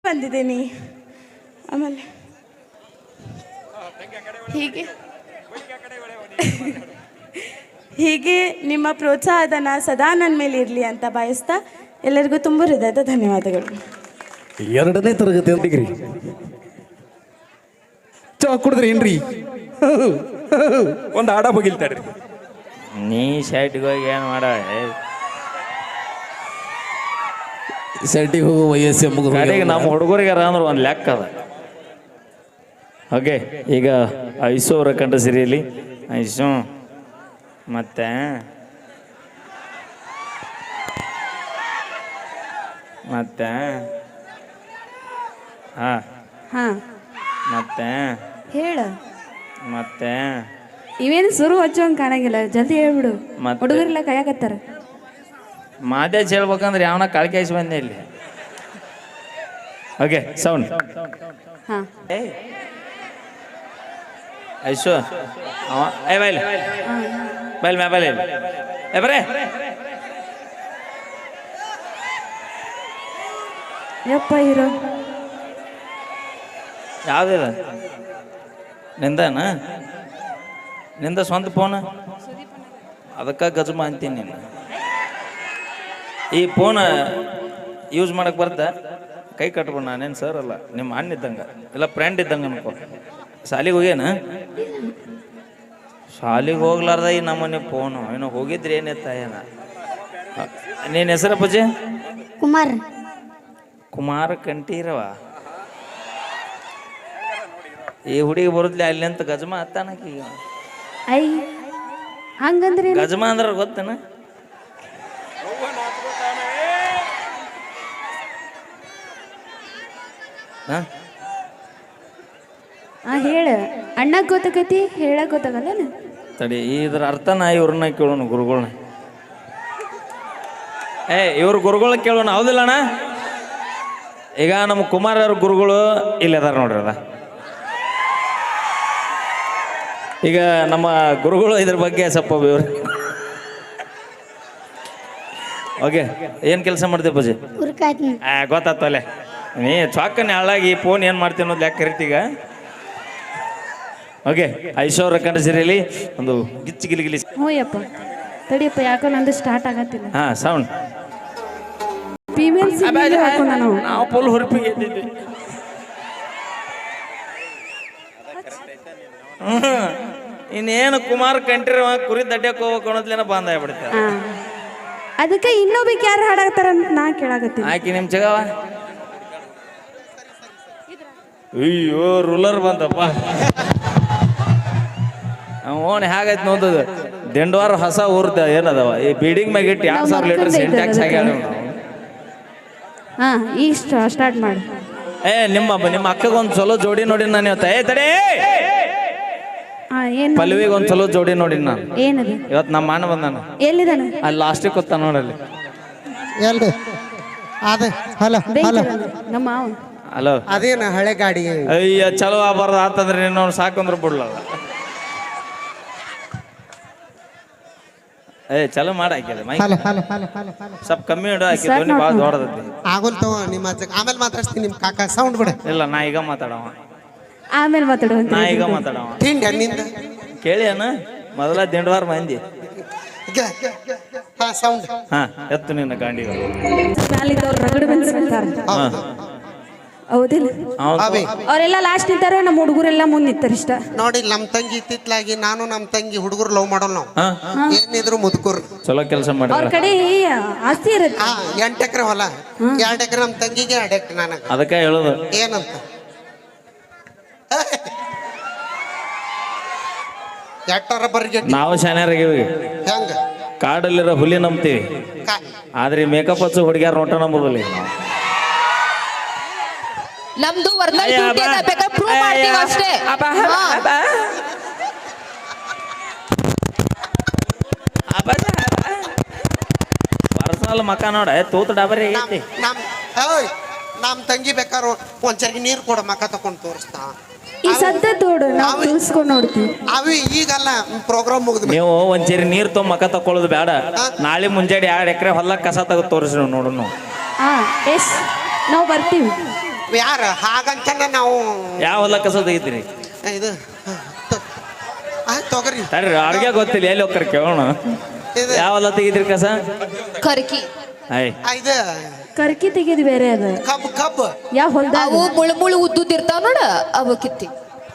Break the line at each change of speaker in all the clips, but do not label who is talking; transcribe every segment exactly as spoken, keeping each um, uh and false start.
ಬಂದಿದ್ದೀನಿ. ಆಮೇಲೆ ಹೀಗೆ ಹೀಗೆ ನಿಮ್ಮ ಪ್ರೋತ್ಸಾಹಧನ ಸದಾ ನನ್ನ ಮೇಲೆ ಇರಲಿ ಅಂತ ಬಯಸ್ತಾ ಎಲ್ಲರಿಗೂ ತುಂಬ ಹೃದಯದ ಧನ್ಯವಾದಗಳು.
ಎರಡನೇ ತರಗತಿ ಡಿಗ್ರಿ ಚಾ ಕುಡಿದ್ರಿ ಏನ್ರಿ? ಒಂದು ಆಡ ಬಗಿಲ್ತಾಡ್ರಿ.
ನೀ ಶರ್ಟ್ಗೆ ಹೋಗಿ ಏನು ಮಾಡ
ಶರ್ಟಿಗೆ ಹೋಗೋ ವಯಸ್ಸು ಮುಗಿದ
ಕಡೆಗೆ ನಮ್ಮ ಹುಡುಗರಿಗಾರ ಅಂದ್ರೆ ಒಂದು ಲೆಕ್ಕ ಅದ. ಓಕೆ, ಈಗ ಐಸು ಅವರ ಕಂಡ ಸಿರಿಯಲ್ಲಿ ಐಸು ಮತ್ತೆ ಮತ್ತೆ ಹಾ
ಹಾ
ಮತ್ತೆ
ಹೇಳ.
ಮತ್ತೆ
ಇವೇನು ಸುರು ಹಚ್ಚೋಂಗೆ ಕಾಣಂಗಿಲ್ಲ, ಜಲ್ದಿ ಹೇಳ್ಬಿಡು.
ಮತ್ತೆ?
ಹುಡುಗರೆಲ್ಲ ಕಾಯಕತ್ತಾರ.
ಮಾದೇಶ್ ಹೇಳ್ಬೇಕಂದ್ರೆ ಯಾವನ ಕಾಳ್ಕಾಯಿಸಿ ಬಂದೆ ಇಲ್ಲಿ. Okay, sound.
ಹಾ
ಐಸು ಅವ ಏ ಬೈಲ್ ಬೈಲ್ ಮ್ಯಾ ಬೈಲ್ ಏ ಬರೇ
ಯಪ್ಪ ಹೀರೋ
ಯಾವುದಿಲ್ಲ ನಿಂದನ ನಿಂದ ಸ್ವಂತ ಫೋನ್ ಅದಕ್ಕೆ ಗಜಮ ಅಂತೀನಿ ನೀನು. ಈ ಫೋನ್ ಯೂಸ್ ಮಾಡಕ್ಕೆ ಬರ್ತಾ ಕೈ ಕಟ್ಬಿಡ. ನಾನೇನು ಸರ್ ಅಲ್ಲ, ನಿಮ್ಮ ಅಣ್ಣ ಇದ್ದಂಗೆ ಇಲ್ಲ ಫ್ರೆಂಡ್ ಇದ್ದಂಗೆ ಅನ್ಕೋ. ಶಾಲಿಗೆ ಹೋಗ್ಯಾನ? ಶಾಲಿಗೆ ಹೋಗ್ಲಾರ್ದ ಈ ನಮ್ಮನೆ ಫೋನು ಏನೋ ಹೋಗಿದ್ರಿ ಏನಿತ್ತ ಏನ. ನೀನು ಹೆಸರ ಪೂಜೆ?
ಕುಮಾರ್.
ಕುಮಾರ ಕಂಠೀರವ. ಈ ಹುಡುಗಿ ಬರುದ್ಲಿ ಅಲ್ಲಿ ಅಂತ ಗಜಮ ಹತ್ತಾನಕಿ.
ಐ ಹಂಗಂದ್ರೆ
ಗಜಮ ಅಂದ್ರೆ ಗೊತ್ತೇನ? ಹಾ
ಆ ಹೇಳ. ಅಣ್ಣ ಗೊತ್ತಾಗತಿ, ಹೇಳಕ್ ಗೊತ್ತಾಗಲ್ಲ.
ತಡಿ, ಇದ್ರ ಅರ್ಥ ನಾ ಇವ್ರನ್ನ ಕೇಳೋಣ ಗುರುಗಳನ್ನ. ಏ ಇವ್ರ ಗುರುಗಳ ಕೇಳೋಣ, ಹೌದಿಲ್ಲ ಅಣ್ಣ? ಈಗ ನಮ್ಮ ಕುಮಾರ್ ಅವ್ರ ಗುರುಗಳು ಇಲ್ಲಿ ಅದಾರ ನೋಡ್ರಿ. ಅದ ಈಗ ನಮ್ಮ ಗುರುಗಳು ಇದ್ರ ಬಗ್ಗೆ ಸ್ವಲ್ಪ ಇವ್ರು ಓಕೆ, ಏನು ಕೆಲಸ ಮಾಡ್ತೀವಿ ಪೂಜೆ? ಆ ಗೊತ್ತಾಯ್ತು ಅಲ್ಲೇ ನೀ ಚಾಕನ್ ಹಾಳಾಗಿ ಫೋನ್ ಏನು ಮಾಡ್ತೀವಿ ಅನ್ನೋದು ಯಾಕೆ ಕರಿತೀಗ. ಓಕೆ, ಐಶ್ವರ್ಯ ಕಂಡ ಸಿರಿಯಲ್ಲಿ ಒಂದು ಗಿಚ್ಚಿ ಗಿಲಿಗಿಲಿ.
ಹ್ಞೂ ಯಪ್ಪ, ತಡಿಯಪ್ಪ, ಯಾಕೋ ನಂದು ಸ್ಟಾರ್ಟ್ ಆಗತ್ತಿಲ್ಲ.
ಹಾ ಸೌಂಡ್.
ಫೀಮೇಲ್ ಹಾಕೋಣ ನಾವು.
ನಾವು ಫುಲ್ ಹುರುಪಿಗೆ ಎದ್ದಿದ್ವಿ. ಹ್ಮ್ ಇನ್ನೇನು ಕುಮಾರ್ ಕಂಠೀರವ ಕುರಿ ದಡ್ಡಕ್ಕೆ ಹೋಗ್ಬೇಕು ಅನ್ನೋದ್ಲೇನ ಬಂದ ಆಗ್ಬಿಡ್ತಾರೆ.
ಹಾ, ಅದಕ್ಕೆ ಇನ್ನೊಬ್ಬಕ್ಕೆ ಯಾರು ಹಾಡಾಕ್ತಾರ ಅಂತ ನಾ ಕೇಳಾಕತ್ತೀನಿ.
ಆಕಿ ನಿಮ್ ಜಗವ. ಅಯ್ಯೋ ರೂಲರ್ ಬಂತಪ್ಪ. ಓನ್ ಹೇಗೈತೆ ನೋದದು ದಿಂಡವಾರ ಹೊಸ ಊರ್ದ ಏನದವ ಈ ಬಿಲ್ಡಿಂಗ್ ಮ್ಯಾಗ ಇಟ್ಟು ಎರಡು ಸಾವಿರ ಲೀಟರ್ ಸಿಂಟ್ಯಾಕ್ಸ್ ಆಗ್ಯಾಳ.
ಹಾ, ಈಗ ಸ್ಟಾರ್ಟ್ ಮಾಡಿ.
ಏ ನಿಮ್ಮ ನಿಮ್ಮ ಅಕ್ಕಗೊಂದು ಚಲೋ ಜೋಡಿ ನೋಡಿ ನಾನು ಇವತ್ತು. ಏ ತಡೇ,
ಹಾ ಏನು
ಪಲ್ವಿಗೆ ಒಂದು ಚಲೋ ಜೋಡಿ ನೋಡಿ ನಾನು
ಏನದು
ಇವತ್ತು ನಮ್ಮ ಅಣ್ಣ ಬಂದಾನ.
ಎಲ್ಲಿದಾನ?
ಅಲ್ಲಿ ಲಾಸ್ಟಿಗೆ ಕೂತ ನೋಡಲ್ಲಿ.
ಎಲ್ರಿ ಅದೇ ಹಲೋ ಹಲೋ
ನಮ್ಮ ಮಾವ.
ಹಲೋ,
ಅದೇನ ಹಳೆ ಗಾಡಿ.
ಅಯ್ಯ ಚಲೋ ಆಗ್ಬಾರ್ದು ಆತಂದ್ರೆ ನೀನು ಸಾಕಂದ್ರೆ ಬಿಡ್ಲಲ್ಲ. ಏ ಚಲೋ ಮಾಡಿ ಹಾಕಿದೆ ಮೈ
hello hello hello hello hello
ಸ್ವಲ್ಪ ಕಮ್ಮಿ ಇಡು. ಹಾಕಿ ಧ್ವನಿ ಭಾಳ ದೊಡ್ಡದೈತಿ.
ಆಗೋಲ್ ತಗೋ ನಿಮ್ಮ ಅಜ್ಜ. ಆಮೇಲೆ ಮಾತಾಡ್ತೀನಿ ನಿಮ್ಮ ಕಾಕ. ಸೌಂಡ್ ಬಿಡ.
ಇಲ್ಲ ನಾ ಈಗ ಮಾತಾಡವ,
ಆಮೇಲೆ ಮಾತಾಡುವಂತ.
ನಾ ಈಗ ಮಾತಾಡವ.
ತಿಂಡಿ ನಿಂದ
ಕೇಳಿ ಅಣ್ಣ, ಮೊದಲ ದಿಂಡವಾರ ಮಂದಿ.
ಹಾ ಸೌಂಡ್.
ಹಾ ಎತ್ತು ನಿನ್ನ ಗಾಂಡಿಗಳು.
ಮ್ಯಾಲಿದ್ದವ್ರು ರಗಡು ಬೆನ್ಸ್ಬಿಡ್ತಾರ. ಹೌದಿಲ್ಲ?
ಅವೇ
ಅವರೆಲ್ಲ ಲಾಸ್ಟ್ ನಿಂತಾರ, ನಮ್ಮ ಹುಡುಗರೆಲ್ಲ ಮುಂದೆ ನಿಂತಾರ. ಇಷ್ಟ
ನೋಡಿ, ನಮ್ ತಂಗಿ ಇತ್ತಿತ್ಲಾಗಿ ನಾನು ನಮ್ ತಂಗಿ ಹುಡುಗರು ಲವ್ ಮಾಡೋಲ್ಲ ನಾವು.
ಹಾ
ಏನಿದ್ರು ಮುದುಕರು.
ಚಲೋ ಕೆಲಸ
ಅವ್ರ
ಮಾಡಿದ್ರ.
ಕಡೆ ಆಸ್ತಿ ಇರುತ್ತೆ.
ಹಾ, ಎಂಟು ಎಕರೆ ಹೊಲ, ಎರಡು ಎಕರೆ ನಮ್ ತಂಗಿಗೆ, ಎರಡು ಎಕರೆ ನನಗ.
ಅದಕ್ಕೆ ಹೇಳುದು
ಏನಂತ ಎಟ್ಟಾರ ಬರ್ಗೆ
ನಾವು ಶಾನ್ಯಾರಾಗಿವಿ.
ಹೆಂಗ
ಕಾಡಲ್ಲಿರೋ ಹುಲಿ ನಂಬ್ತೀವಿ,
ಕಾ-
ಆದ್ರೆ ಮೇಕಪ್ ಹಚ್ಚು ಹುಡುಗ್ಯಾರ ನೋಟ ನಂಬುದಿಲ್ಲ.
ನಮ್ದು ವರ್ನಲ್ ಡ್ಯೂಟಿ ಅದ, ಬೇಕಾದ್ರೆ ಪ್ರೂವ್ ಮಾಡ್ತೀವಿ ಅಷ್ಟೇ.
ಪರ್ಸನಲ್ ಮಕ್ಕ ನೋಡ ತೂತು ಡಾಬರಿ ಐತಿ.
ನಮ್ ಓಯ್ ನಮ್ ತಂಗಿ ಬೇಕಾರು ಒಂದ್ಸರಿ ನೀರು ಕೊಡ, ಮಕ್ಕ ತಕೊಂಡ್ ತೋರಿಸ್ತಾ.
ಈ ಸದ್ದ ತೋಡು ನಾವು ತಿಳ್ಸ್ಕೊಂಡು ನೋಡ್ತೀವಿ.
ಅವಿ ಈಗಲ್ಲ, ಪ್ರೋಗ್ರಾಮ್ ಮುಗಿದ್
ನೀವು ಒಂದ್ಸರಿ ನೀರ್ ತೊಗೊಂಡ್ ಮಕ್ಕ ತಕೊಳ್ಳೋದು ಬೇಡ. ನಾಳೆ ಮುಂಜಾನೆ ಎರಡು ಎಕರೆ ಹೊಲ ಕಸ ತೆಗೆದು ತೋರಿಸಿ ನೋಡು.
ಹಾ ಎಸ್ ನಾವು ಬರ್ತೀವಿ.
ಯಾರ ಹಾಗಂತನ ನಾವು
ಯಾವ ಹೊಲ ಕಸ ತೆಗಿತೀರಿ
ಇದು ತ- ಆ, ತೊಗರಿ
ತಡ್ರಿ ಅವ್ರಿಗೆ ಗೊತ್ತಿಲ್ಲ ಎಲ್ಲಿ ಹೋಗ್ತಾರೆ ಕೇಳೋಣ
ಇದು
ಯಾವ ಹೊಲ ತೆಗಿದ್ರಿ ಕಸ
ಕರ್ಕಿ
ಐ
ಆ, ಇದು
ಕರ್ಕಿ ತೆಗೆದು ಬೇರೆ ಅದು
ಕಬ್ಬು ಕಬ್ಬು
ಯಾವ ಹೊಲ್ದಾಗ
ಅವು ಮುಳು ಮುಳು ಉದ್ದುದ್ ಇರ್ತಾವ ನೋಡ ಅವು ಕಿತ್ತಿ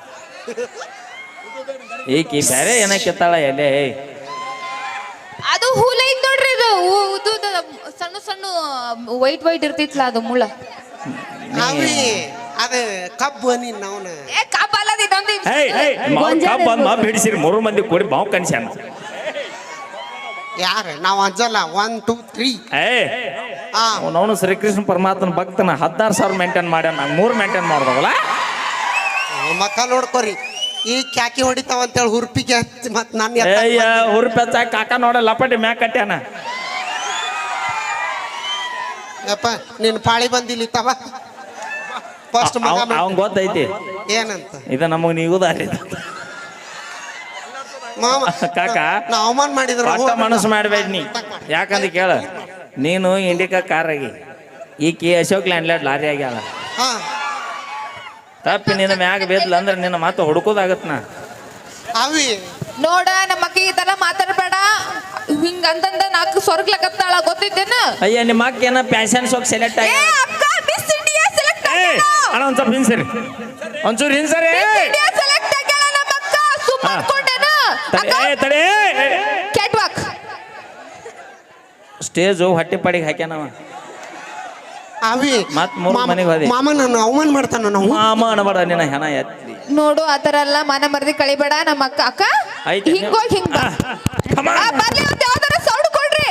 ಈಕಿ ಬೇರೆ ಏನ ಕೆತ್ತಾಳ ಎಲೆ
ಅದು ಹೂಲ ಐತ್ ನೋಡ್ರಿ ಇದು ಉ- ಉದ್ದುದ ಸಣ್ಣ ಸಣ್ಣ ವೈಟ್ ವೈಟ್ ಇರ್ತಿತ್ಲ ಅದು ಮುಳ
ಅವಿ ಅದು ಕಬ್ಬು ನೀನ್ ಅವನ
ಏ ಕಾಪಲ್ಲದ ಇದೊಂದು ಇದು.
ಏಯ್ ಏಯ್ ಕಬ್ಬ ಬಂದ್ ಮಾ ಬಿಡಿಸಿರಿ ಮೂರು ಮಂದಿ ಕೂಡಿ ಬಾವು ಕನ್ಸ್ಯಾನ
ಯಾರ ನಾವು ಅಂಜಲ್ಲ ಒನ್ ಟೂ ತ್ರೀ
ಏ
ಹಾ
ಅವನು ಶ್ರೀಕೃಷ್ಣ ಪರಮಾತ್ಮನ ಭಕ್ತನ ಹದಿನಾರು ಸಾವಿರ ಮೇಂಟೈನ್ ಮಾಡ್ಯಾನ ನಂಗೆ ಮೂರು ಮೇಂಟೈನ್ ಮಾಡ್ದವಲ್ಲ
ಮಕ್ಕ ನೋಡ್ಕೊರಿ ಈ ಕ್ಯಾಕಿ ಹೊಡಿತಾವ ಅಂತೇಳಿ ಹುರ್ಪಿಗೆ ಹಚ್ಚಿ ಮತ್ ನನ್ನ
ಏಯ್ಯ ಹುರುಪಿ ಹಚ್ಚಾಕ ಕಾಕ ನೋಡ ಲಪಟಿ ಮ್ಯಾಕ್ ಕಟ್ಯಾನ
ಯಪ್ಪ ನಿನ್ ಪಾಳಿ ಬಂದಿಲ್ಲ ತವ ಫಸ್ಟ್ ಮಗ ಮಾಡ್-
ಅವ್ನ್ ಗೊತ್ತೈತಿ
ಏನಂತ
ಇದು ನಮಗ್ ನೀಗುದಾರಿ
ಮಾಮ
ಕಾಕ
ನಾ ಅವಮಾನ ಮಾಡಿದ್ರ
ಒಟ್ಟ ಮನಸ್ಸು ಮಾಡ್ಬೇಡ ನೀ ಯಾಕಂದ್ರೆ ಕೇಳ ನೀನು ಇಂಡಿಕಾ ಕಾರ್ ಆಗಿ ಈಕಿ ಅಶೋಕ್ ಲ್ಯಾಂಡ್ಲಾಡ್ ಲಾರಿ ಆಗ್ಯಾಳ
ಹಾ
ತಪ್ಪಿ ನಿನ್ನ ಮ್ಯಾಗ ಬೇದ್ಲ ಅಂದ್ರೆ ನಿನ್ನ ಮಾತು ಹುಡುಕೋದಾಗತ್ ನಾ
ಅವಿ
ನೋಡ ನಮ್ಮ ಅಕ್ಕಿ ಈ ತರ ಮಾತಾಡ್ಬೇಡ ಹಿಂಗ ಅಂತಂದ ನಾಲ್ಕು ಸ್ವರ್ಗ್ಲಕತ್ತಾಳ ಗೊತ್ತಿದ್ದೇನ
ಅಯ್ಯ ನಿಮ್ಮ ಅಕ್ಕ ಏನ ಪ್ಯಾಶನ್ ಶೋಕ್ ಸೆಲೆಕ್ಟ್
ಏ
ಆಗಿ
ಅಕ್ಕ ಮಿಸ್ ಇಂಡಿಯಾ ಸೆಲೆಕ್ಟ್
ಏ ಅಣ್ಣ ಒಂದ್ ಸ್ವಲ್ಪ ಹಿಂಸರಿ ಒಂಚೂರು ಹಿಂಸರಿ
ಇಂಡಿಯಾ ಸೆಲೆಕ್ಟ್ ಆಗ್ಯಾಳ ನಮ್ಮ ಅಕ್ಕ ಸುಮ್ಮ
ಹಾ.
ಅನ್ಕೊಂಡೇನ
ತಡಿ ಏ ತಡಿ
ಕ್ಯಾಟ್ ವಾಕ್
ಸ್ಟೇಜು ಹೊಟ್ಟೆ ಪಾಡಿಗೆ ಹಾಕ್ಯಾನವ
ಅವಿ
ಮತ್ತ್ ಮೂರ್
ಮಾಮ-
ಮನೆಗ್ ಹೋದೆ.
ಮಾಮ ನನ್ನ ಅವಮಾನ ಮಾಡ್ತಾನ ನಾವು
ಮಾಮ ಅನ್ಬೇಡ ನಿನ್ನ ಹೆಣ ಎತ್ತಿ
ನೋಡು ಆತರ ಎಲ್ಲ ಮಾನ ಮರ್ದಿ ಕಳಿಬೇಡ ನಮ್ಮ ಅಕ್ಕ ಅಕ್ಕ
ಐತೆ
ಹಿಂಗೋಗಿ ಹಿಂಗ
Come on.
ಬರ್ಲಿ ಒಂದ್ ಯಾವ್ದಾರ ಸೌಂಡ್ ಕೊಡ್ರಿ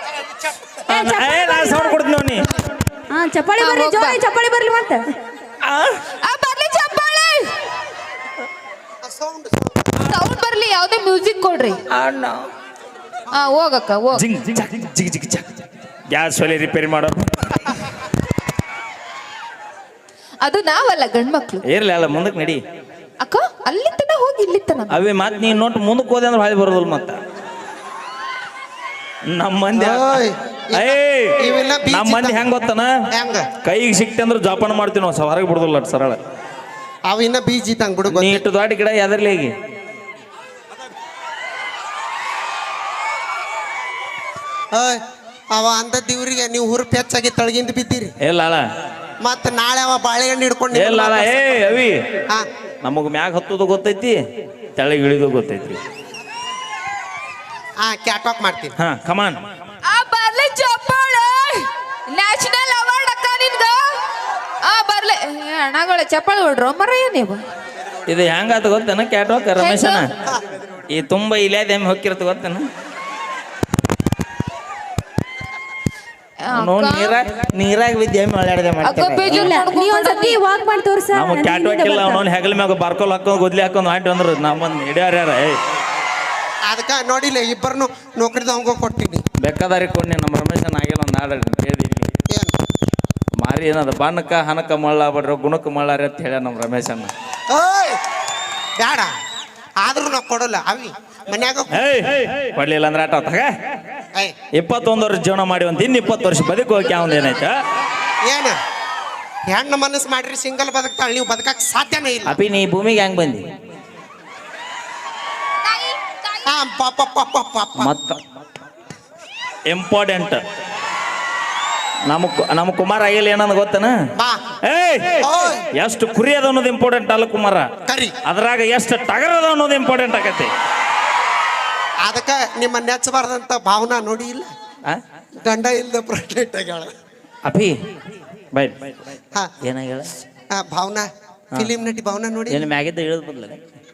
ಏ ನಾ ಸೌಂಡ್ ಕೊಡ್ತೀನಿ ನೋಡಿ
ಹಾ ಚಪ್ಪಾಳಿ ಬರ್ಲಿ
ಹೋಗ್ ಬಾ.
ಜೋರಿ ಚಪ್ಪಾಳಿ ಬರ್ಲಿ ಮತ್ತೆ
ಆ ಬರ್ಲಿ ಚಪ್ಪಾಳೆ
ಸೌಂಡ್
ಸೌಂಡ್ ಬರ್ಲಿ ಯಾವ್ದೇ ಮ್ಯೂಸಿಕ್ ಕೊಡ್ರಿ ಹಾ ಹೋಗಕ್ಕ ಹೋಗ್
ಜಿಂಗ್ ಜಿಗ್ ಜಿಗ್ ಜಿಗ್ ಜಿಗ್ ಗ್ಯಾಸ್ ಒಲೆ ರಿಪೇರಿ ಮಾಡೋ
ಅದು ನಾವಲ್ಲ ಗಂಡ್ಮಕ್ಳು
ಇರ್ಲಿ ಅಲ್ಲ ಮುಂದಕ್ಕೆ ನಡಿ
ಅಕ್ಕ ಅಲ್ಲಿ ತನ ಹೋಗಿ ಇಲ್ಲಿ ತನ
ಅವೇ ಮಾತ್ ನೀ ನೋಟ್ ಮುಂದಕ್ಕೆ ಹೋದೆ ಅಂದ್ರೆ ಹಾಳಿ ಬರೋದಿಲ್ಲ ಮತ್ತ ನಮ್ಮ ಮಂದಿ
ಓಯ್,
ಏಯ್
ಇವೆಲ್ಲ ಬೀಚ್
ನಮ್ಮ ಮಂದಿ ಹೆಂಗ್ ಗೊತ್ತನ
ಹೆಂಗ
ಕೈಗೆ ಸಿಕ್ತೆ ಅಂದ್ರೆ ಜೋಪಾನ ಮಾಡ್ತೀವಿ ನಾವು ಸ ಹೊರಗೆ ಬಿಡುದಿಲ್ಲ ಅಷ್ಟ್ ಸರಳ
ಅವ ಇನ್ನ ಬೀಜ ಇದ್ದಂಗ್ ಬಿಡು
ನೀ
ಗೊತ್ತ
ಇಟ್ಟು ದೊಡ್ಡ ಗಿಡ ಎದರ್ಲಿ ಈಗ
ಓಯ್, ಅವ ಅಂದ ದಿವ್ರಿಗೆ ನೀವು ಹುರುಪಿ ಹೆಚ್ಚಾಗಿ ತಳಗಿಂದ ಬಿದ್ದೀರಿ
ಇಲ್ಲ ಅಲ್ಲ
ಮತ್ತ ನಾಳೆ ಅವ ಬಾಳೆಹಣ್ಣು ಹಿಡ್ಕೊಂಡು
ಇಲ್ಲ ಅಲ್ಲ ಏ ಅವಿ
ಹಾ
ನಮಗ್ ಮ್ಯಾಗ ಹತ್ತೋದು ಗೊತ್ತೈತಿ ತೆಳಗೆ ಇಳಿದು ಗೊತ್ತೈತಿ
ಹಾ ಕ್ಯಾಟ್ ವಾಕ್ ಮಾಡ್ತೀನಿ
ಹಾ ಕಮಾನ್
ಆ ಬರ್ಲಿ ಚಪ್ಪಾಳೆ ನ್ಯಾಷನಲ್ ಅವಾರ್ಡ್ ಅಕ್ಕ ನಿನ್ಗ ಆ ಬರ್ಲಿ ಏ, ಅಣ್ಣಗಳ ಚಪ್ಪಾಳೆ ಹೊಡ್ರೋ ಮರಯ್ಯ ನೀವು
ಇದು ಹೆಂಗಾತ ಗೊತ್ತೇನ ಕ್ಯಾಟ್ವಾಕ್ ರಮೇಶನ ಈ ತುಂಬ ಇಲ್ಯಾದ ಎಮ್ಮೆ ಹೊಕ್ಕಿರತ್ತ ಗೊತ್ತೇನ ನೋಡ್ ನೀರಾಗ ನೀರಾಗ ಬಿದ್ದು ಎಮ್ಮೆ ಒಳ್ಳೆಯದೆ
ಅಕ್ಕ
ಮಾಡ್ತಾರೆ
ಬೇಜಾರ್
ನೀ
ಮಾಡ್ಕೊಂಡ್
ಒಂದ್ಸತಿ ವಾಕ್ ಮಾಡಿ ತೋರ್ಸ
ನಮ್ಮ ಕ್ಯಾಟ್ವಾಕ್ ಇಲ್ಲ ಅವನವ್ನ ಹೆಗಲ ಮ್ಯಾಗ ಬಾರ್ಕೋಲ್ ಹಾಕೊಂಡು ಗುದ್ಲಿ ಹಾಕೊಂಡು ಆಂಟಿ ಅಂದ್ರು ನಮ್ಮಂದ್ ಹಿಡಿಯಾರ ಯಾರ ಏ
ಅದಕ್ಕ ನೋಡಿಲ್ಲ ಇಬ್ಬರನ್ನು ನೌಕರಿದವಂಗ ಕೊಟ್ಟಿನಿ
ಬೆಕ್ಕದಾರಿ ಕೊಡ್ನಿ ನಮ್ಮ ರಮೇಶನ್ ಆಗಿಲ್ಲ ಒಂದು ಹಾಡು ಕೇಳಿ
ಏನ್
ಮಾರಿ ಏನದ ಬಣ್ಣಕ್ಕ ಹನಕ ಮಳ್ಳ ಬಡ್ರ ಗುಣಕ್ಕೆ ಮಳ್ಳಾರಿ ಅಂತ ಹೇಳ್ಯ ನಮ್ಮ ರಮೇಶನ್ನ
ಓಯ್ ಬೇಡ ಆದ್ರೂ ನಾವು ಕೊಡಲ್ಲ ಅವಿ ಮನ್ಯಾಗ
ಏಯ್ ಕೊಡ್ಲಿಲ್ಲ ಅಂದ್ರೆ ಆಟ ತಗ
ಏಯ್
ಇಪ್ಪತ್ತೊಂದು ವರ್ಷ ಜೀವನ ಮಾಡಿ ಒಂದು ಇನ್ನು ಇಪ್ಪತ್ತು ವರ್ಷ ಬದುಕು ಹೋಗಿ ಅವ್ನು ಏನಾಯ್ತು
ಏನ ಹೆಣ್ಣು ಮನಸ್ಸು ಮಾಡ್ರಿ ಸಿಂಗಲ್ ಬದುಕ್ತಾಳೆ ನೀವು ಬದುಕಕ್ ಸಾಧ್ಯನೇ ಇಲ್ಲ
ಅಪಿ ನೀ ಭೂಮಿಗೆ ಹೆಂಗ್ ಬಂದಿ
ಹಾ ಪಾಪ ಪಾಪ ಪಾಪ
ಮತ್ತ ಇಂಪಾರ್ಟೆಂಟ್ ನಮ್ಮ ನಮ್ಮ ಕುಮಾರ ಆಗಿಲ್ಲ ಏನಂದ ಗೊತ್ತನ
ಬಾ
ಏಯ್
ಓಯ್
ಎಷ್ಟು ಕುರಿ ಅದ ಅನ್ನೋದು ಇಂಪಾರ್ಟೆಂಟ್ ಅಲ್ಲ ಕುಮಾರ
ಕರಿ
ಅದ್ರಾಗ ಎಷ್ಟು ಟಗರ್ ಅದ ಅನ್ನೋದು ಇಂಪಾರ್ಟೆಂಟ್ ಆಗತ್ತೆ
ಅದಕ್ಕ ನಿಮ್ಮ ನೆಚ್ಚಬಾರ್ದಂತ ಭಾವನಾ ನೋಡಿ ಇಲ್ಲ
ಆ?
ಗಂಡ ಇಲ್ಲದ ಪ್ರೆಗ್ನೆಂಟ್ ಆಗ್ಯಾಳ
ಅಪಿ ಬೈ
ಹಾ
ಏನಾಗ್ಯಾಳ
ಆ, ಭಾವನಾ ಫಿಲಿಂ ನಟಿ ಭಾವನಾ ನೋಡಿ
ಏನು ಮ್ಯಾಗಿದ್ದ ಇಳಿದ್ ಬದ್ಲ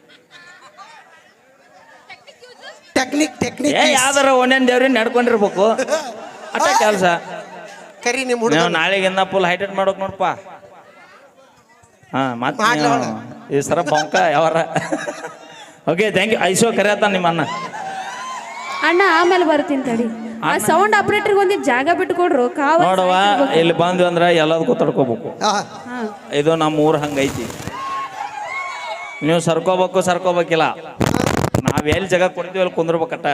ಟೆಕ್ನಿಕ್ ಟೆಕ್ನಿಕ್
ಏ ಯಾವ್ದಾರ ಒಂದೇನ್ ದೇವ್ರಿನ ನಡ್ಕೊಂಡಿರ್ಬೇಕು ಅಟ್ಟ ಕೆಲಸ
ಕರಿ ನಿಮ್ಮ ಹುಡುಗ
ನೀವು ನಾಳೆಗಿಂದ ಫುಲ್ ಹೈಟೆಟ್ ಮಾಡೋಕ್ ನೋಡಪ್ಪ ಹಾ ಮತ್ತೆ
ಮಾಡ್ಲಿ
ನೀವು
ಅವ್ಳು.
ಈ ಸರ ಬಂಕ ಯಾವಾರ ಓಕೆ ಥ್ಯಾಂಕ್ ಯು ಐಸೋ ಕರೆಯತ್ತ ನಿಮ್ಮ ಅಣ್ಣ
ಅಣ್ಣ ಆಮೇಲೆ ಬರ್ತೀನಿ ತಡಿ ಆ ಸೌಂಡ್ ಆಪರೇಟರ್ ಒಂದಿಟ್ಟು ಜಾಗ ಬಿಟ್ಟು ಕೊಡ್ರು ಕಾವ
ನೋಡವ ಇಲ್ಲಿ ಬಂದ್ವಿ ಅಂದ್ರೆ ಎಲ್ಲದಕ್ಕೂ ತಡ್ಕೋಬೇಕು
ಆ,
ಹಾ
ಇದು ನಮ್ಮ ಊರು ಹಂಗೈತಿ ನೀವು ಸರ್ಕೋಬೇಕು ಸರ್ಕೋಬೇಕಿಲ್ಲ ನಾವ್ ಎಲ್ಲಿ ಜಾಗ ಕೊಡ್ತೀವಿ ಅಲ್ಲಿ ಕುಂದ್ರಬೇಕಟ್ಟ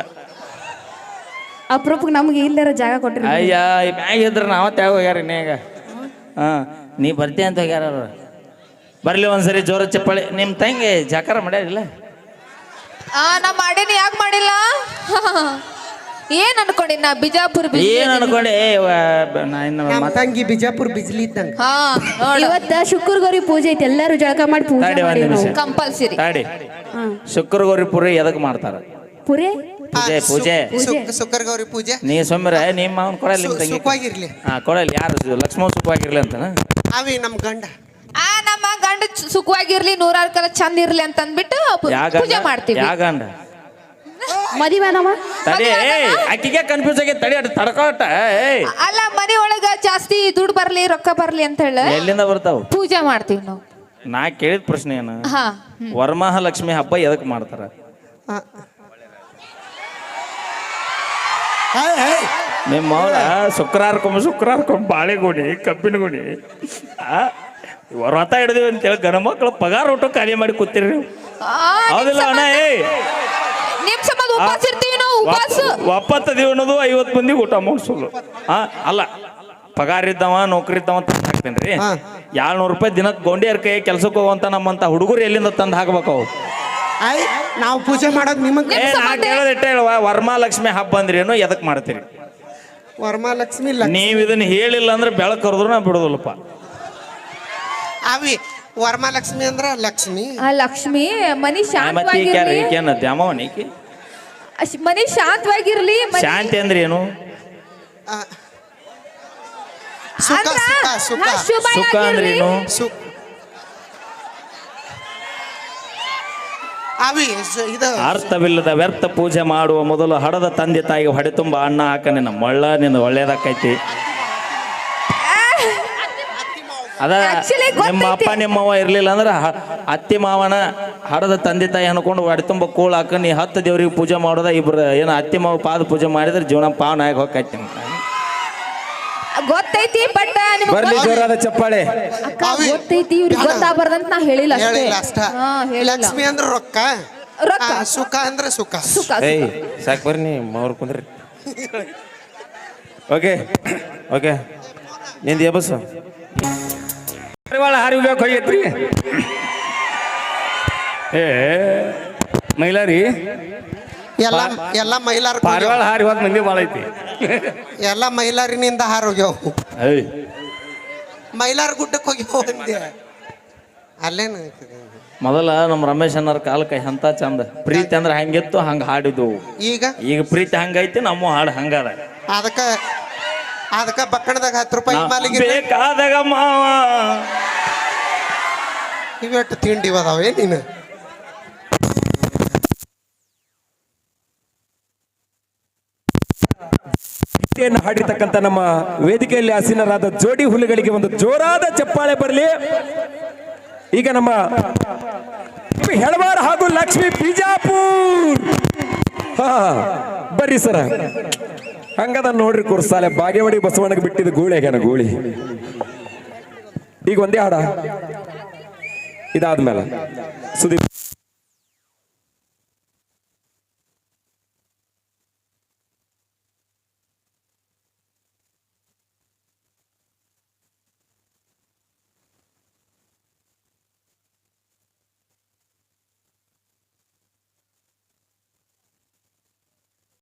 ಅಪ್ರೂಪಕ್ಕೆ ನಮ್ಗೆ ಇಲ್ಲರ ಜಾಗ ಕೊಟ್ಟಿರಿ
ಅಯ್ಯ ಈ ಮ್ಯಾಗ ಇದ್ರೆ ನಾವ ತ್ಯಾಗ ಹೋಗ್ಯಾರ ಇನ್ನೇಗ ಹಾ ನೀ ಬರ್ತೀಯ ಅಂತ ಹೋಗ್ಯಾರ ಅವ್ರು. ಬರ್ಲಿ ಒಂದ್ಸರಿ ಜೋರ ಚಪ್ಪಾಳೆ. ನಿಮ್ಮ ತಂಗಿ ಜಾಕಾರ ಮಾಡ್ಯಾರಿಲ್ಲ?
ಆ ನಾ ಮಾಡೇನಿ, ಯಾಕೆ ಮಾಡಿಲ್ಲ? ಏನ್ ಅನ್ಕೊಂಡಿ ನಾ ಬಿಜಾಪುರ ಬಿಜ್ಲಿ
ಏನ್
ಅದೀನಿ.
ಅನ್ಕೊಂಡೆ? ಏ, ವ- ನಾ ಇನ್ನು
ನಮ್ಮ
ಮಾತ್-
ತಂಗಿ ಬಿಜಾಪುರ ಬಿಜ್ಲಿ ಇದ್ದಂಗ.
ಹಾ ನೋಡು
ಇವತ್ತ ಶುಕ್ರ ಗೌರಿ ಪೂಜೆ ಐತಿ, ಎಲ್ಲಾರು ಜಳಕ ಮಾಡಿ ಪೂಜೆ
ತಾಡಿ ಒಂದ್
ಮಾಡಿ
ನಿಮಿಷ
ಕಂಪಲ್ಸರಿ.
ತಾಡಿ. ಶುಕ್ರ ಗೌರಿ ಪುರಿ ಎದಕ್ ಮಾಡ್ತಾರ?
ಪುರೇ
ಪೂಜೆ ಪೂಜೆ
ಸುಕ್ಕರ್ ಗೌರಿ ಪೂಜೆ
ನೀ ಸೊಮ್ಮಿರ ನಿಮ್ಮ ಮಾವನ್ ಕೊಡಲ್ಲ ನಿಮ್ಮ ತಂಗಿ.
ಸುಖವಾಗಿರ್ಲಿ.
ಹಾ ಕೊಡಲ್ಲ. ಯಾರು ಲಕ್ಷ್ಮಣ ಸುಖವಾಗಿರ್ಲಿ ಅಂತನ?
ಅವಿ ನಮ್ ಗಂಡ.
ಆ ನಮ್ಮ ಗಂಡ ಚ- ಸುಖವಾಗಿರ್ಲಿ, ನೂರಾರು ಕಾಲ ಚಂದ ಇರ್ಲಿ ಅಂತ ಅಂದ್ಬಿಟ್ಟು ಪು-
ಯಾವ
ಪೂಜೆ
ಗಂಡ?
ಮಾಡ್ತೀವಿ.
ಯಾವ ಗಂಡ?
ಮದಿವಾನವ
ತಡಿ. ಏಯ್ ಆಕಿಗೆ ಕನ್ಫ್ಯೂಸ್ ಆಗೈತೆ. ತಡಿ ಅಟ್ ತಡ್ಕೋಟ. ಏಯ್
ಅಲ್ಲ ಮನೆ ಒಳಗ ಜಾಸ್ತಿ ದುಡ್ಡು ಬರ್ಲಿ, ರೊಕ್ಕ ಬರ್ಲಿ ಅಂತ ಹೇಳ
ಎಲ್ಲಿಂದ ಬರ್ತಾವ?
ಪೂಜೆ ಮಾಡ್ತೀವಿ ನಾವು.
ನಾ ಕೇಳಿದ ಪ್ರಶ್ನೆ ಏನು?
ಹಾ
ವರಮಹಾಲಕ್ಷ್ಮಿ ಹಬ್ಬ ಎದಕ್ ಮಾಡ್ತಾರ?
ಆ. ಏಯ್, ಏಯ್.
ನಿಮ್ಮ ಅವಳ ಶುಕ್ರವಾರಕ್ಕೊಮ್ಮೆ ಶುಕ್ರವಾರಕ್ಕೊಮ್ಮೆ ಬಾಳೆಗೊಡಿ ಕಬ್ಬಿನ ಗುಡಿ ಆ ವ್ರತ ಹಿಡಿದಿವಿ ಅಂತೇಳಿ ಗಣ ಮಕ್ಕಳು ಪಗಾರ ಊಟ ಖಾಲಿ ಮಾಡಿ ಕೂತಿರಿ ನೀವು.
ಆ,
ಹೌದಿಲ್ಲ ಅಣ್ಣ? ಏಯ್
ನಿಮ್ ಸಂಬಂಧ ಉಪವಾಸ ಇರ್ತೀವಿ ನಾವು, ಉಪವಾಸ.
ಒಪ್ಪತ್ತು ದಿವ ಅನ್ನೋದು ಐವತ್ತು ಮಂದಿ ಊಟ ಮಾಡಿಸೋದು. ಆ ಅಲ್ಲ, ಪಗಾರ ಇದ್ದವ ನೌಕರಿ ಇದ್ದವ ತಂದು ಹಾಕ್ತೇನೆ ರೀ.
ಹಾ.
ಏಳ್ನೂರು ರೂಪಾಯಿ ದಿನಕ್ಕೆ ಗೊಂಡಿಯರ್ ಕೈ ಕೆಲ್ಸಕ್ಕೆ ಹೋಗುವಂತ ನಮ್ಮಂತ ಹುಡುಗರು ಎಲ್ಲಿಂದ ತಂದು ಹಾಕ್ಬೇಕು ಅವು?
ಆಯ್ ನಾವು ಪೂಜೆ ಮಾಡೋದು ನಿಮಗ್
ಏ ನಾ ಕೇಳೋದಿಟ್ಟೆ ಹೇಳುವ, ವರಮಹಾಲಕ್ಷ್ಮಿ ಹಬ್ಬ ಅಂದ್ರೇನು, ಎದಕ್ ಮಾಡ್ತೀರಿ?
ವರಮಹಾಲಕ್ಷ್ಮಿ ಲಕ್ಷ್ಮಿ.
ನೀವ್ ಇದನ್ನ ಹೇಳಿಲ್ಲ ಅಂದ್ರೆ ಬೆಳಕು ಕರೆದ್ರು ನಾ ಬಿಡೋದಿಲ್ಲಪ್ಪ.
ಅವಿ ವರಮಹಾಲಕ್ಷ್ಮಿ ಅಂದ್ರ ಲಕ್ಷ್ಮಿ.
ಆ ಲಕ್ಷ್ಮಿ ಮನಿ
ಮತ್ತೆ ಈಕೆ ಯಾರು?
ಶಾಂತವಾಗಿರ್ಲಿ,
ಈಕೇನ ದ್ಯಾಮವನ ಈಕಿ?
ಅಶ್- ಮನಿ ಶಾಂತವಾಗಿರ್ಲಿ. ಮನಿ-
ಶಾಂತಿ ಅಂದ್ರೆ ಏನು?
ಆ. ಸುಖ
ಅಂದ್ರ,
ಸುಖ ಸುಖ
ಹಾ, ಶುಭ
ಸುಖ ಅಂದ್ರೆ
ಆಗಿರ್ಲಿ.
ಏನು?
ಸುಖ. ಅವಿ ಸು- ಇದು
ಅರ್ಥವಿಲ್ಲದ ವ್ಯರ್ಥ ಪೂಜೆ ಮಾಡುವ ಮೊದಲು ಹಡದ ತಂದೆ ತಾಯಿಗೆ ಹೊಡೆ ತುಂಬ ಅನ್ನ ಹಾಕ ನಿನ್ನ ಮಳ್ಳ ನಿನ್ನ ಒಳ್ಳೇದಾಕೈತಿ. ಅದ
Actually
ನಿಮ್ಮ
ಗೊತ್ತೈತಿ.
ಅಪ್ಪ ನಿಮ್ಮವ್ವ ಇರ್ಲಿಲ್ಲ ಅಂದ್ರೆ ಹ- ಅತ್ತಿ ಮಾವನ ಹಡದ ತಂದೆ ತಾಯಿ ಅನ್ಕೊಂಡು ಹೊಡೆ ತುಂಬ ಕೂಳ್ ಹಾಕ ನೀ ಹತ್ತು ದೇವ್ರಿಗೆ ಪೂಜೆ ಮಾಡೋದ. ಇಬ್ರು ಏನು ಅತ್ತಿ ಮಾವ ಪಾದ ಪೂಜೆ ಮಾಡಿದ್ರೆ ಜೀವನ ಪಾವನ ಆಗಿ ಹೋಗೈತಿ.
ಗೊತ್ತೈತಿ ಬಟ್
ಬರ್ಲಿ ಜೋರಾದ ಚಪ್ಪಾಳೆ.
ಅಕ್ಕ
ಅವಿ.
ಗೊತ್ತೈತಿ, ಇವ್ರಿಗೆ ಗೊತ್ತಾಗ್ಬಾರ್ದಂತ ನಾ ಹೇಳಿಲ್ಲ ಅಷ್ಟೇ.
ಹೇಳಿಲ್ಲ ಅಷ್ಟ.
ಹಾ, ಹೇಳಿಲ್ಲ.
ಲಕ್ಷ್ಮಿ ಅಂದ್ರ ರೊಕ್ಕ,
ರೊಕ್ಕ.
ಆ, ಸುಖ ಅಂದ್ರ ಸುಖ.
ಸುಖ
ಏಯ್ ಸಾಕು ಬರ್ರಿ ನೀ ಅವ್ರು ಕುಂದ್ರಿ. ಓಕೆ ಓಕೆ ನಿಂದು ಎಬಸ್ ಹಾರಿ ಹೋಗ್ಬೇಕು ಹೋಗೈತ್ರಿ. ಏ ಮೈಲಾರಿ
ಎಲ್ಲ ಎಲ್ಲ ಮೈಲಾರ
ಪಾರಿವಾಳ ಹಾರಿ ಹೋದ್ ಮಂದಿ ಭಾಳ ಐತಿ.
ಎಲ್ಲ ಮೈಲಾರಿನಿಂದ ಹಾರೋಗ್ಯವು.
ಏಯ್
ಮೈಲಾರ ಗುಡ್ಡಕ್ಕೆ ಹೋಗಿ ಹೋಗಂದೆ ಅಲ್ಲೇನು
ಮೊದಲ ನಮ್ಮ ರಮೇಶ್ ಅನ್ನೋರ್ ಕಾಲಕ್ಕೆ ಎಂತ ಚಂದ ಪ್ರೀತಿ ಅಂದ್ರೆ ಹಂಗಿತ್ತು, ಹಂಗ ಹಾಡಿದ್ವು.
ಈಗ
ಈಗ ಪ್ರೀತಿ ಹಂಗೈತಿ, ನಮ್ಮ ಹಾಡು ಹಂಗದ.
ಅದಕ್ಕ ಅದಕ್ಕ ಬಕ್ಕಣದಾಗ ಹತ್ತು ರೂಪಾಯಿ ಮಾಲಿಗೆ
ಬೇಕಾದಾಗ ಮಾವ
ಇವೆಟ್ಟು ತಿಂಡಿ ಅದಾವೆ ನೀನು.
ಗೀತೆಯನ್ನು ಹಾಡಿರ್ತಕ್ಕಂಥ ನಮ್ಮ ವೇದಿಕೆಯಲ್ಲಿ ಆಸೀನರಾದ ಜೋಡಿ ಹುಲಿಗಳಿಗೆ ಒಂದು ಜೋರಾದ ಚಪ್ಪಾಳೆ ಬರಲಿ. ಈಗ ನಮ್ಮ ಹೆಳವಾರ ಹಾಗೂ ಲಕ್ಷ್ಮಿ ಬಿಜಾಪುರ್. ಹಾ ಬರ್ರಿ ಸರ. ಹಂಗದ ನೋಡ್ರಿ ಕುರ್ಸಾಲೆ ಬಾಗೇವಾಡಿ ಬಸವಣ್ಣಗೆ ಬಿಟ್ಟಿದ್ದು ಗೂಳಿ ಆಗ್ಯಾನ ಗೂಳಿ. ಈಗ ಒಂದೇ ಹಾಡ ಇದಾದ್ಮೇಲೆ ಸುದೀಪ್